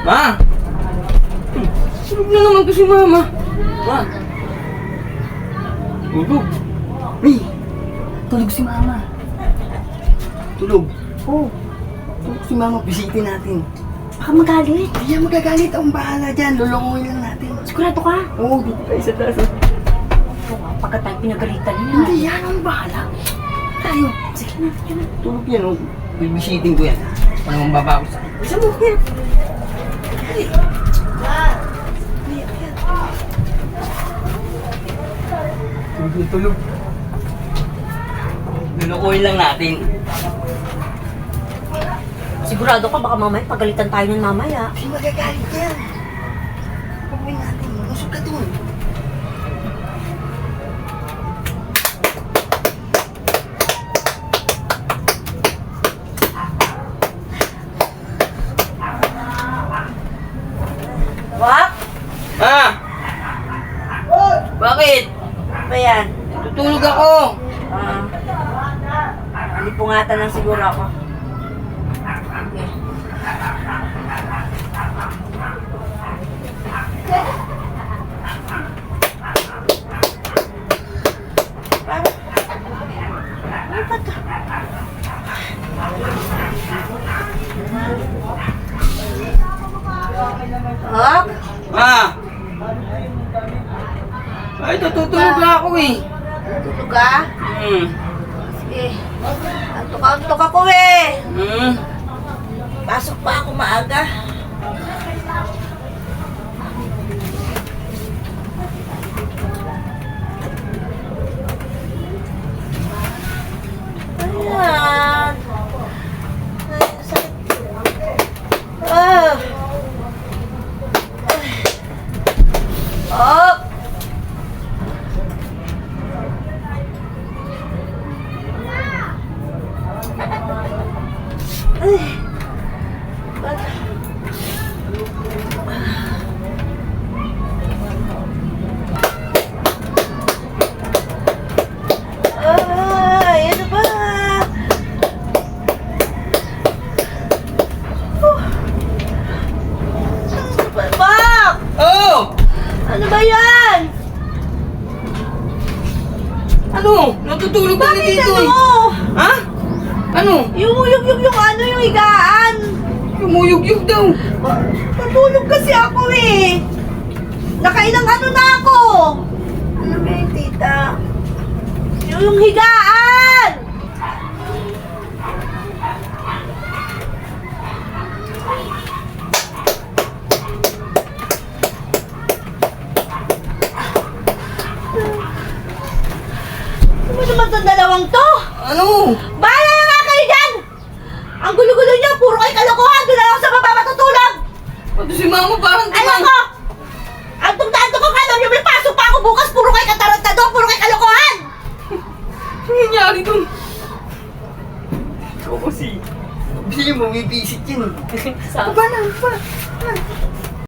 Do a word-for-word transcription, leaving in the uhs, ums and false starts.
Ma! Tulog na naman to si Mama. Ma! Tulog. Ay! Tulog si Mama. Tulog. Oo. Oh, tulog si Mama. Bisitin natin. Baka magalit. Hindi yan magagalit. Ang bahala dyan. Lulunguhin lang natin. Sigurado ka? Oo, dito tayo sa taas. oh. Oo nga, pagka tayo pinagalitan niya. Hindi yan. Ang bahala. Tayo. Sige na, yun na. Tulog yan. Oh. Bibisitin ko yan. Walang babago sa akin. Isa mo. Yan. Ay. Tulog na tulog. Lulukuhin lang natin. Sigurado ka, baka mamaya pagalitan tayo ng mamaya. Hindi magagalit yan. Pagawin natin. Masok ka dun. Wak! Ah! Bakit? Ano ba yan? Tutulog ako. Ah, alipungatan lang siguro ako. Okay. Ano ba ito? Hop! Ah! Ay, tutulog na ako eh. Tulog ka? Hmm. Sige. Antok-antok ako eh. Hmm. Pasok pa ako maaga. Ayan. Ay, sakit. Ah. Up. Ay. Ay, ano ba? Oh. Ano ba? Bak! Oh! Ano ba yan? Ano? Natutulog ka na Bakit dito ano? eh. Ha? Ano? Yung, yung, yung, yung ano, yung higaan. Lumuyog-yog daw. Natulog kasi ako eh. Nakailang ano na ako. Ano ba yung tita? Yung, yung higaan. Ano naman itong dalawang to? Ano? Bahala na nga kayo dyan! Ang gulo-gulo niyo, puro kayo kalokohan! Doon na lang ako sa baba matutulog! Pati si Mama parang Alam timang. ko! Antong na antong ko ka! Alam niyo, may pasok pa ako bukas! Puro kayo katarantado! Puro kayo kalokohan! Ano nangyari dun? Ikaw kasi. Hindi mo, may visit yun. Sa Ba na, ba?